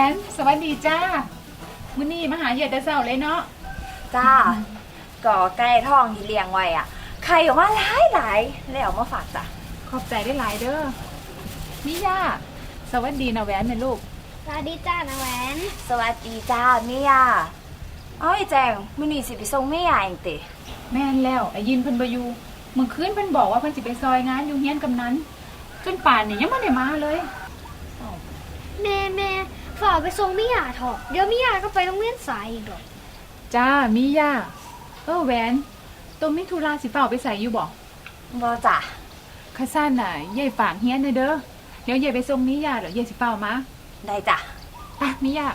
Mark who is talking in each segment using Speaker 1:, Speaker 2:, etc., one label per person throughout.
Speaker 1: นสวัสดีจ้ามื้อนี้มาหาเหยื่อแต่เช้าเลยเนาะ
Speaker 2: จ้าก่อไก่ทองที่เลี้ยงไว้อ่ะไข่ออกมาหลายแล้วเอามาฝากจ้ะ
Speaker 1: ขอบใจได้หลายเด้อมิย่าสวัสดีนะแหวนแม่ลูก
Speaker 3: สวัสดีจ้านะแหวน
Speaker 2: สวัสดีจ้าเมียเอ้ยแจงมื้อนี้สิไปส่งเมียเองติ
Speaker 1: แม่นแล้วไอ้ยินเพิ่นบ่อยู่เมื่อคืนเพิ่นบอกว่าเพิ่นสิไปซอยงานอยู่เฮียนกำนันจนป่านนี้ยังบ่ได้มาเลย
Speaker 3: แม่ฝากไปส่งมิยาเถอะเดี๋ยวมิยาก็ไปโรงเรียนสายอีกดอก
Speaker 1: จ้ามิย่าแหวนตัวมิธุราสิเฝ้าไปใส่อยู่บ่
Speaker 2: บ่จ้ะ
Speaker 1: ข้าซ่านน่ะยายฝากเฮียนเด้อเดี๋ยวยายไปส่งมิย่าเดี๋ยวยายสิเฝ้ามา
Speaker 2: ได้จ้ะ
Speaker 1: ไปมิย่า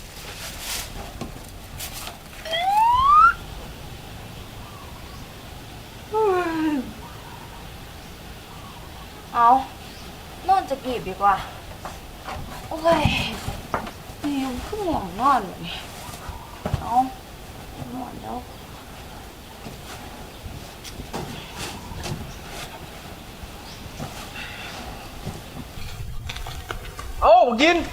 Speaker 2: เอานอนจะกีบดีกว่าโอ้ยนี่ยังขึ้นหมองนอนอยู่นี่เอานอนแล้ว
Speaker 4: เอากิน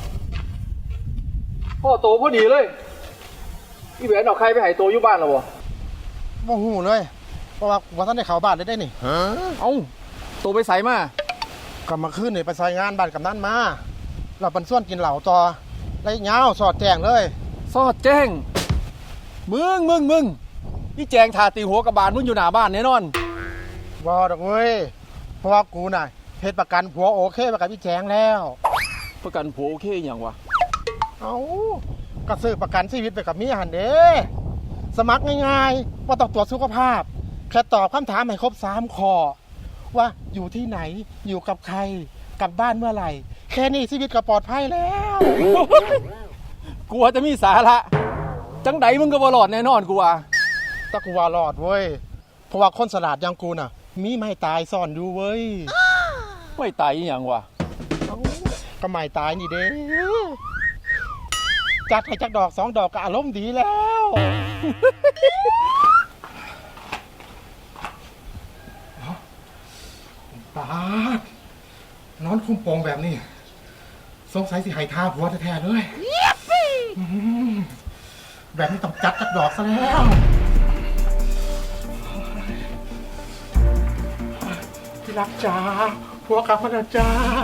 Speaker 4: พ่อโตพอดีเลยพี่แหวนเอาใครไปหายโตอยู่บ้านหรอวะ
Speaker 5: โมโหเลยเพราะว่าท่านได้เข้าบ้านได้นี่
Speaker 4: เอาโตไปใส่มาก
Speaker 5: ลับมาขึ้นนี่ไปซอยงานบ้านกับนั่นมาเราเป็นส่วนกินเหล่าต่อไรเงาสอดแจงเลย
Speaker 4: ซอดแจ้งมึงนี่แจงทาตีหัวกระบาลมึงอยู่หน้าบ้านแน่นอน
Speaker 5: บอดอกเว้ยเพราะว่ากูน่ะเพชรประกันผัวโอเคประกันพี่แจงแล้ว
Speaker 4: ประกันผัวโอเคอย่างวะ
Speaker 5: เอาก็ซื้อประกันชีวิตไปกับเมียหันเด้สมัครง่ายๆว่าต้องตรวจสุขภาพแค่ตอบคำถามให้ครบ3 ข้อว่าอยู่ที่ไหนอยู่กับใครกลับบ้านเมื่อไหร่แค่นี้ชีวิตก็ปลอดภัยแล้ว
Speaker 4: กลัวจะมีสาระจังไดมึงก็บ่รอดแน่นอนกูว่า
Speaker 5: ตะกูว่ารอดเว้ยเพราะว่าคนสลาดอย่างกูน่ะมีไม่ตายซ่อนอยู่เว้ย
Speaker 4: ไม่ตายอย่างวะ
Speaker 5: ก็ไม่ตายนี่เด้จัดให้จักดอก2 ดอกก็อารมณ์ดีแล้วตานอนคุ้มโปงแบบนี้สงสัยสิหายท่าผัวแท้ๆเลยแบบนี้ต้องจัดจักดอกซะแล้วที่รักจ้าผัวกลับมาแล้วจ้า